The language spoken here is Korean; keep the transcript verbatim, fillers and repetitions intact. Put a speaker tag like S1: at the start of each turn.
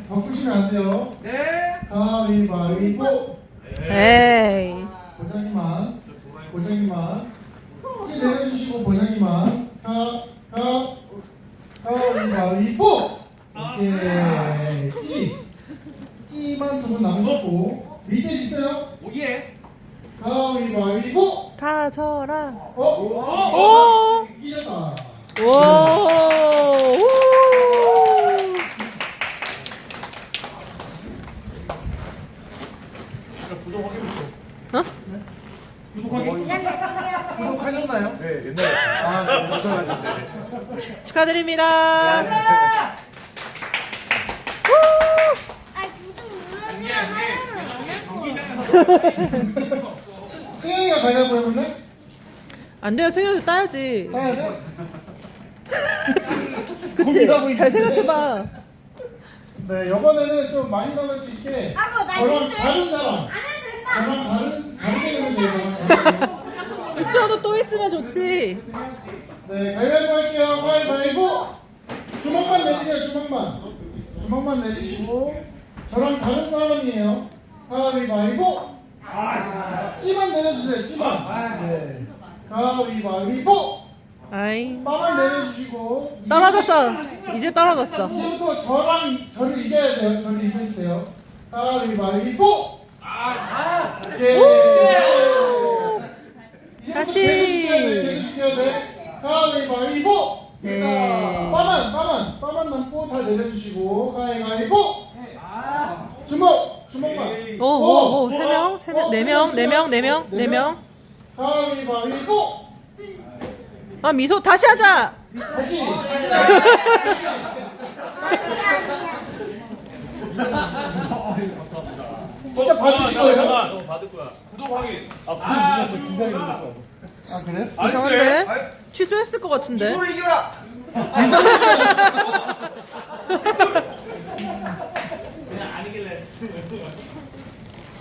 S1: 바꾸시면 안 돼요.
S2: 네.
S1: 가위바위보.
S3: 에이.
S1: 보장님만, 보장님만. 찌 내려주시고 보장님만. 가, 가, 가위바위보. 오케이. 찌. 찌만 두 분 남으셨고. 리셋 있어요?
S2: 오예.
S1: 가위바위보.
S3: 가져라.
S1: 어?
S3: 오!
S1: 이겼다.
S3: 오! 우!
S2: 구독 확인부터.
S3: 어?
S2: 구독 확인.
S1: 구독하셨나요?
S4: 네, 옛날에.
S1: 아, 네.
S4: 감사합니다.
S3: 축하드립니다.
S5: 아, 구독 눌러주면 하면은 안 할 거.
S1: 승영이가 가위바위보 해볼래?
S3: 안 돼요. 승현도 따야지.
S1: 따야 돼?
S3: 그치?
S1: 고민하고 있는데.
S3: 잘 생각해봐.
S1: 네, 이번에는 좀 많이 나갈 수 있게
S5: 하고 나
S1: 저랑
S5: 이제
S1: 다른 사람
S5: 안 해도 된다.
S1: 저랑 다른, 다르게 되면 돼요.
S3: 있어도 또 있으면 좋지.
S1: 네, 가위바위보 할게요. 가위바위보. 주먹만 내리세요, 주먹만. 주먹만 내리시고 저랑 다른 사람이에요. 가위바위보. 찌만 내려주세요, 찌만. 네. 가위바위보.
S3: 아이.
S1: 빠만 내려주시고.
S3: 떨어졌어. 이제 떨어졌어.
S1: 이제부터 저랑 저를 이겨야 돼요. 저를 이겨주세요. 가위바위보. 오케이.
S3: 다시.
S1: 계속 이겨야 돼. 가위바위보.
S3: 네.
S1: 빠만 빠만 빠만 남고 다 내려주시고 가위바위보. 주먹 주먹만.
S3: 오, 오, 오. 세 명, 세 명, 네 명, 네 명, 네 명, 네 명.
S1: 가위바위보.
S3: 아, 미소 다시 하자.
S1: 다시. 진짜 받으실 거예요?
S2: 받을 거야. 구독 확인.
S1: 아 그래?
S3: 이상한데? 취소했을 것 같은데?
S4: 이걸 이겨라!